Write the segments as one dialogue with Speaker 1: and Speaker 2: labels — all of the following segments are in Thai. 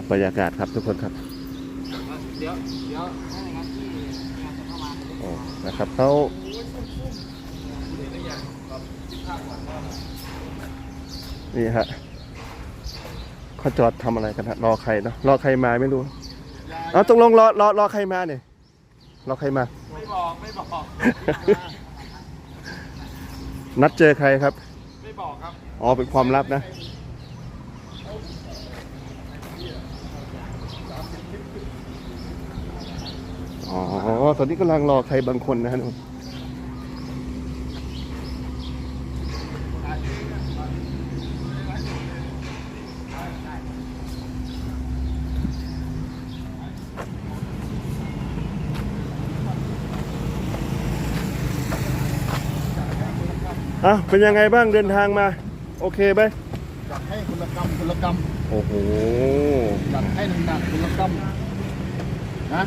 Speaker 1: บรรยากาศครับทุกคนครับ
Speaker 2: เดี๋ยวถ้าอย่างนั้นที่งานจะเข้ามา
Speaker 1: โอ้นะครับเขานี่ฮะเขาจอดทำอะไรกันฮะรอใครเนาะรอใครมาไม่รู้เอาตกลงรอใครมาเนี่ยรอใครมา
Speaker 2: ไม่บอก
Speaker 1: นัดเจอใครครับ
Speaker 2: ไม่บอกครับ
Speaker 1: อ๋อเป็นความลับนะอ๋อตอนนี้กำลังรอใครบางคนนะฮะเป็นยังไงบ้างเดินทางมาโอเคไหม
Speaker 2: จัดให้คุณกรรม
Speaker 1: โอ้โห
Speaker 2: จัดให้หนักคุณกรรมนะ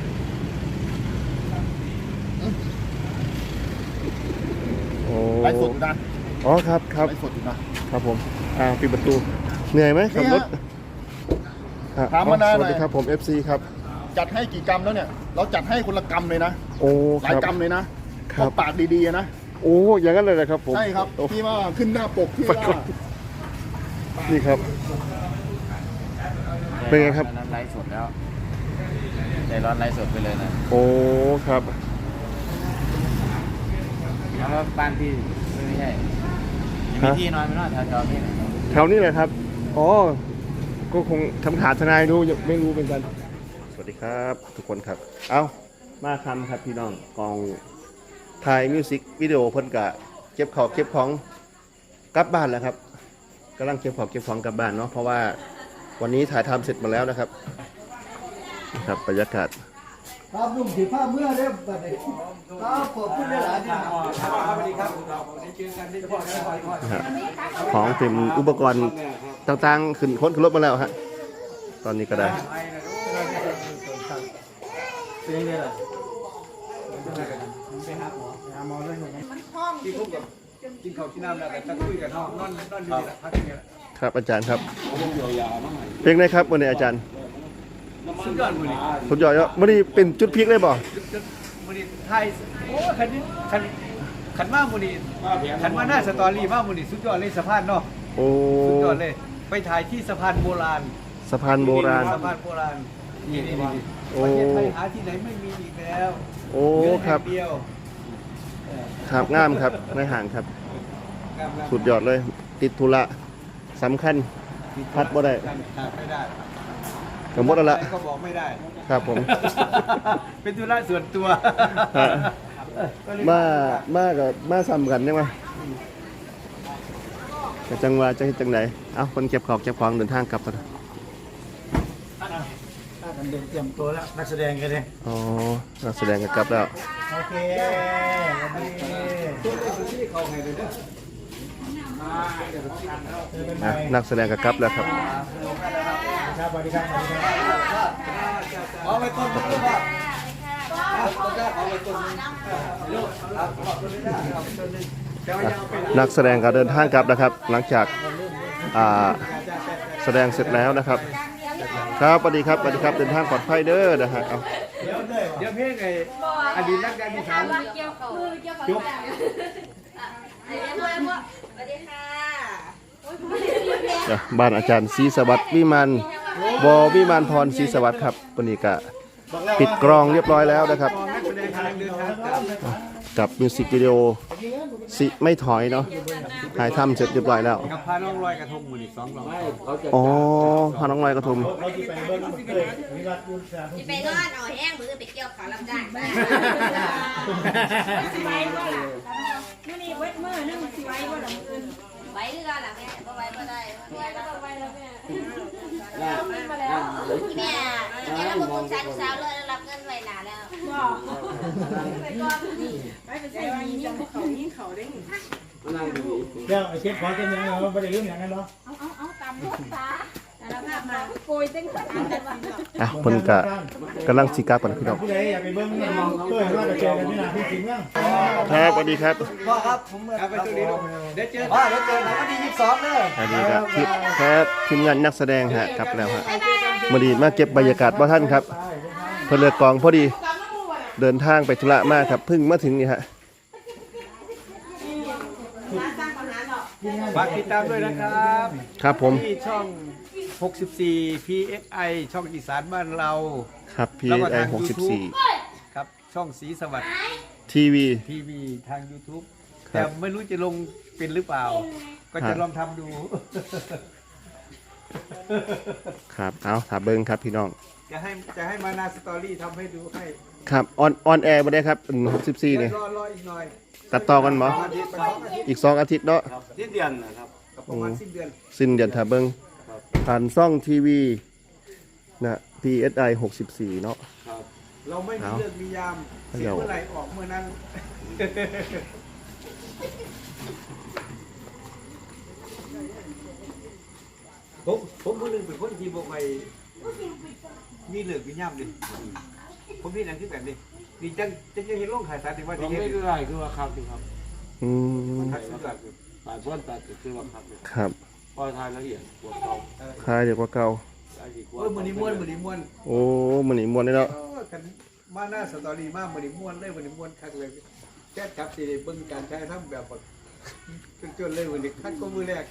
Speaker 2: ไลฟ์สดนะ
Speaker 1: อ๋อครับ
Speaker 2: ไลฟ์สด
Speaker 1: นะครับผมปิดประตูเหนื่อยไหมขับรถ
Speaker 2: ถามมานาน
Speaker 1: สวัสดีครับผม FC ครับ
Speaker 2: จัดให้กี่กรรมแล้วเนี่ยเราจัดให้คนละกรรมเลยนะ
Speaker 1: โอ้
Speaker 2: หลายกรรมเลยนะปากดีๆนะ
Speaker 1: โอ้อย่างนั้นเลยนะครับผม
Speaker 2: ใช่ครับที่ว่าขึ้นหน้าปกที่ว่า
Speaker 1: นี่ครับเป็นไงครับ
Speaker 2: ไลฟ์สดแล้วใจร้อนไลฟ์สดไปเลยนะ
Speaker 1: โอ้ครับ
Speaker 2: แล้วบ้านพี่ไม่ใช่มีที่นอนไม่นอนแถวนี้
Speaker 1: แถวนี้เลยครับอ๋อก็คงทำขาดทนายดูไม่รู้เป็นกันสวัสดีครับทุกคนครับเอามาทำครับพี่น้องกองถ่ายมิวสิกวิดีโอเพิ่นกะเก็บของกลับบ้านแล้วครับกำลังเก็บของกลับบ้านเนาะเพราะว่าวันนี้ถ่ายทำเสร็จมาแล้วนะครับนะครับบรรยากาศ
Speaker 3: ครับลุงถือผ้าเมื่อเรียบร้อยครับขอบคุณหลายๆที่
Speaker 2: สวัสดีครับได้เจอกันได้พบกัน
Speaker 1: ของเต็มอุปกรณ์ต่างๆขึ้นรถมาแล้วฮะตอนนี้ก็ได้
Speaker 2: เป็นยังไงล่ะไปหาหมอด้วยไหมที่คุกกับกินข้าวกินน้ำแล้วแต่คุยกันห้องนอนดีๆพักนี่แหละ
Speaker 1: ครับอาจารย์ครับเพลงไหนครับวันนี้อาจารย์
Speaker 2: สุดยอดมือนี่
Speaker 1: สุดยอดเยอะวันนี้เป็นจุดพีคเลยบ่
Speaker 2: มือนี่ไทยโอ้ขันมากมือนี่ขันมาหน้าสตอรี่มากมือนี่สุดยอดเลยสะพานเนาะ
Speaker 1: โอ้
Speaker 2: สุดยอดเลยไปถ่ายที่สะพานโบราณ
Speaker 1: สะพานโบราณ
Speaker 2: นี่ประเทศไทยหาที่ไหนไม่มีอีกแล้ว
Speaker 1: โอ้ครับครับงามครับไม่ห่างครับสุดยอดเลยติดธุระสำคัญพัดบ่ได้
Speaker 2: ไม่ได้
Speaker 1: สมมติแล้ว
Speaker 2: ก็บอกไม่ได้
Speaker 1: ครับผม
Speaker 2: เป็นธุระส่วนตัว
Speaker 1: มาซ้ำกันใช่ไหมจะจังหวะจะจังไหนคนเก็บของเดินทางกลับกัน
Speaker 2: เตรียมตัวแล้วนักแสดงกันเลย
Speaker 1: อ๋อนักแสดงกันกลับแล้ว
Speaker 2: โอเค
Speaker 1: นักแสดงกันกลับแล้วครับ
Speaker 2: สวัสดีครับเอาไปต้นว่า
Speaker 1: นักแสดงก็เดินทางกลับนะครับหลังจากแสดงเสร็จแล้วนะครับครับสวัสดีครับเดินทางปลอดภัยเด้อนะฮะ
Speaker 2: เดี๋ยวเพลงไอ้อดีตนักการศึกษาจบ
Speaker 1: บ้านอาจารย์ศรีสวัสดิ์วิมานพรศรีสวัสดิ์ครับวันนี้ก็ปิดกรองเรียบร้อยแล้วนะครับกับมิวสิกวิดีโอสิไม่ถอยเนาะถ่ายทำเสร็จเรียบร้อยแล้ว
Speaker 2: กับพาน้องลอยกระทงมืออีก2
Speaker 1: อ๋อพาน้องลอยกระทง
Speaker 4: ไปนอนเอาแห้งมือไปเกี่ยวขาลำได้
Speaker 5: สิไว้บ่ล่ะมื้อนี้เวทมื้อนึงสิไว้บ่ล่ะมื้อ
Speaker 4: ไว้คือกันล่ะแม่บ่ไว้บ่ได้
Speaker 5: แม่ก็ไว้แล้วแม่
Speaker 4: มาแล้วแม่แล้วบ่ต้องใช้สาวเลยรับเงินไว้หน้าแล้ว
Speaker 5: บ่ไปก่อนนี่ไปใส่ว่ายิ่งเขาได้
Speaker 3: เดี๋ยวไอ้เช็ดขอเต็มยังเราไม่ได้ลืมอย่างนั้นหรอ
Speaker 5: เอาตามลูกตาแล้วภาพมาโกยเต็งขนาดนั้นว่า
Speaker 1: อ่ะเพิ่นกะกำลังสิกลับกันพี่น้อง
Speaker 3: ผู้ใดอยากไปเบิ่งเนี่ยเพื่อนว่าจะเจอกันที่ไหนที่จริงเนาะ
Speaker 1: ครับสวัสดีครับ
Speaker 3: พ่อครับผม
Speaker 2: ครับไปตัวนี้ลูกเดี๋ยวเจอ
Speaker 3: เดี๋ยวเจอกันวันที่22เด้อ
Speaker 1: สวัสดีครับทีมงานนักแสดงฮะกลับแล้วฮะมาดีมาเก็บบรรยากาศบ่ท่านครับเพิ่นเลือกกองพอดีเดินทางไปธุระมากครับเพิ่งมาถึงนี่ฮะ
Speaker 2: ฝากติดตามด้วยนะครับ
Speaker 1: ครับผม
Speaker 2: ที่ช่อง 64 PSI ช่องอีสานบ้านเรา
Speaker 1: ครับ
Speaker 2: แล้วก็
Speaker 1: PSI
Speaker 2: ทาง
Speaker 1: 64
Speaker 2: ครับช่องสีสวัสดิ์
Speaker 1: ทีวี
Speaker 2: ทีวีทาง YouTube
Speaker 1: ครับ
Speaker 2: แต่ไม่รู้จะลงเป็นหรือเปล่า ก็จะลองทำดู
Speaker 1: ครับเอาถามเบิ้งครับพี่น้อง
Speaker 2: จะให้มานาสตอรี่ทำให้ดูให้
Speaker 1: ครับออนแอร์มาได้ครับ64เนี่ย
Speaker 2: รออีกหน่อย
Speaker 1: ตัดต่อกันบ่
Speaker 2: อาทิตย์ไป2 อาทิตย์
Speaker 1: อีก2อาทิตย์เนาะ
Speaker 2: สิ้นเดือนนะครับประมาณสิ้นเดือน
Speaker 1: สิ้นเดือนถ้าเบิ้งผ่านช่องทีวีนะ PSI 64เนาะ
Speaker 2: เราไม่มีเรื่องมียาม
Speaker 1: เอา
Speaker 2: เสียเมื่อไหร่ออกเมื่อนั้น ผมคนหนึ่งเป็นคนที่บอกไปมีเหลืองมีย่ำดิผมพี่นั่นคือแบบนี้ดีจังจะเห็นโรงขายสารถึงว่า
Speaker 6: เรา
Speaker 2: จะเห็น
Speaker 6: ไม่ได้คือว่าครับสิครับ
Speaker 1: อืม
Speaker 2: ขายสุดยอด
Speaker 6: ฝ่ายพ้นตัดคือว่าครับ
Speaker 1: ครับ
Speaker 6: พอทายละเอียดปวดเขา
Speaker 1: คลายเดี๋ยวกว่าเก่า
Speaker 6: ได้ดีกว่า
Speaker 2: เออมือนี้ม้วนมือนี้ม้วน
Speaker 1: โอ้มันนี่มวนได้เนาะ
Speaker 2: กันมาหน้าสตอรี่มากมือนี้ม้วนเลยมือนี้ม้วนคักเลยแค่จับสิเบิ่งการใช้ทำแบบแบบจนเลยมือนี้คักก็มือแรก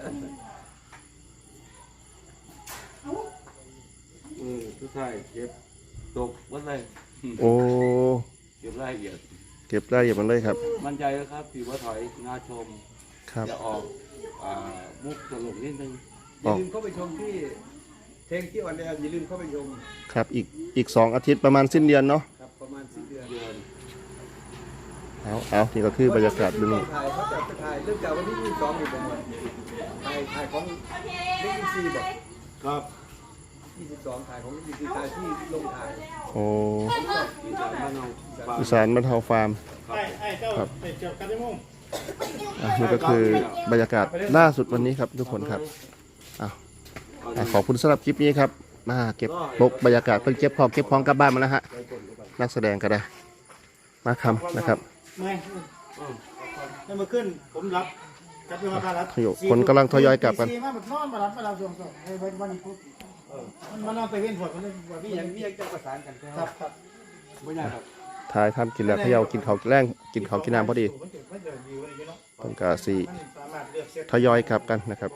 Speaker 6: ทุกท่ายเก็บตกวัดเลย
Speaker 1: โอ้
Speaker 6: เก็บรายละเอียด
Speaker 1: เก็บรายละเอียดมันเลยครับ
Speaker 6: มั่นใจแล้วครับที่ว่าถอยงาชม
Speaker 1: ครับ
Speaker 6: จะออกมุกตลกนิดนึง
Speaker 2: อย่าลืมเข้าไปชมที่เพลงที่ออนแอร์อย่าลืมเข้าไปชม
Speaker 1: ครับอีก2อาทิตย์ประมาณสิ้นเดือนเนาะ
Speaker 2: ครับประมาณสิ้นเดือน
Speaker 6: เดือน
Speaker 1: เอานี่ก็คือบรรยากาศดูนี่
Speaker 2: ถ่ายเขาจะไปถ่ายเริ่มจากวันที่22อยู่ประมาณถ่ายของเล็กซีบอก
Speaker 6: ครับ
Speaker 2: 22ถ่ายของเล็กซีถ่ายที่ลงถ่าย
Speaker 1: โอ้
Speaker 6: อีสานบ้านเราฝาก
Speaker 1: อีสานบรรเทาฟาร์ม
Speaker 6: ครับ
Speaker 1: นี่ก็คือบรรยากาศล่าสุดวันนี้ครับทุกคนครับขอบคุณสำหรับคลิปนี้ครับมาเก็บบรรยากาศเพิ่งเก็บของกลับบ้านมาแล้วฮะนักแสดงก็ได้มาคำนะครับ
Speaker 3: เมื่อยให้มาขึ้นผมรับกลับไปมารับ
Speaker 1: คนกำลังทยอยกลับกัน
Speaker 3: มาแบบนอนมารับส่งวันนี้ปุ๊บมันนอนไปเว้นฝนมันเลยว่าพี่
Speaker 2: นี่
Speaker 3: ยั
Speaker 2: ยัง งนี่ยังจะประสานกัน
Speaker 3: ครับครับ
Speaker 2: ไม่ยากครับ
Speaker 1: ถ่ายทำกินแล้วเขย่ากินข้าวแรงกินข้าวกินน้ำพอดีต้องการสีทยอยกลับกันนะครับ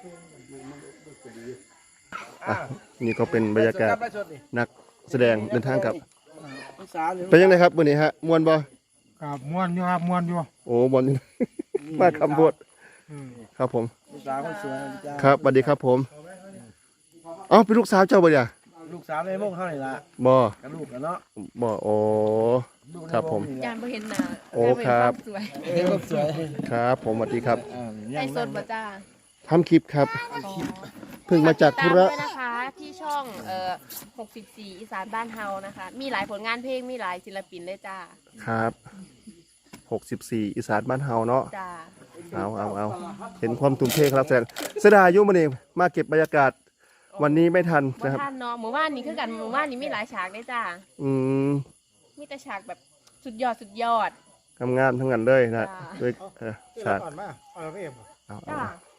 Speaker 1: นี่ก็เป็นบรรยากาศนักแสดงเดินทางกลับเป็นยังไงครับวันนี้ฮะมวนบ่
Speaker 3: ครับม้วนอยู่ครับม้วนอยู่
Speaker 1: โอ้มวนอยู่ มาคำพูดครับผม
Speaker 3: สาวคนสวยจ้า
Speaker 1: ครับสวัสดีครับผมอ๋อเป็นลูกสาวเจ้าบ่เนี่ย
Speaker 3: ลูกสาวในวงเท่าไหร่ละ
Speaker 1: บ่
Speaker 3: กับลูกกันเนาะ
Speaker 1: บ่โอ้ครับผม
Speaker 5: ยานบ่เห็นหน้า
Speaker 1: โอ้ครับ
Speaker 5: สวย
Speaker 3: ลูกสวย
Speaker 1: ครับผมสวัสดีครับ
Speaker 5: ไอสดบ่จ้า
Speaker 1: ทำคลิปครับเพิ่งมาจากธุระ
Speaker 5: ติดตามด้วยนะคะที่ช่อง64อีสานบ้านเฮานะคะ มีหลายผลงานเพลงมีหลายศิลปินเลยจ้า
Speaker 1: ครับ64อีสานบ้านเฮาเนาะ
Speaker 5: จ้า
Speaker 1: เอาเห็นความทุ่มเทครับแสดงเสียดายอยู่มื้อนี้มาเก็บบรรยากาศวันนี้ไม่ทัน
Speaker 5: บ่
Speaker 1: นะครับ
Speaker 5: ท่านเนาะหมู่บ้านนี้คือกันหมู่บ้านนี้มีหลายฉากเลยจ้า
Speaker 1: อืม
Speaker 5: มีแต่ฉากแบบสุดยอด
Speaker 1: ทำงานทั้งนั้นเลยนะ
Speaker 5: จ้า
Speaker 1: ด้วยฉาก
Speaker 3: ก่อนมาเอาไปเอฟ
Speaker 1: เอา
Speaker 5: จ้า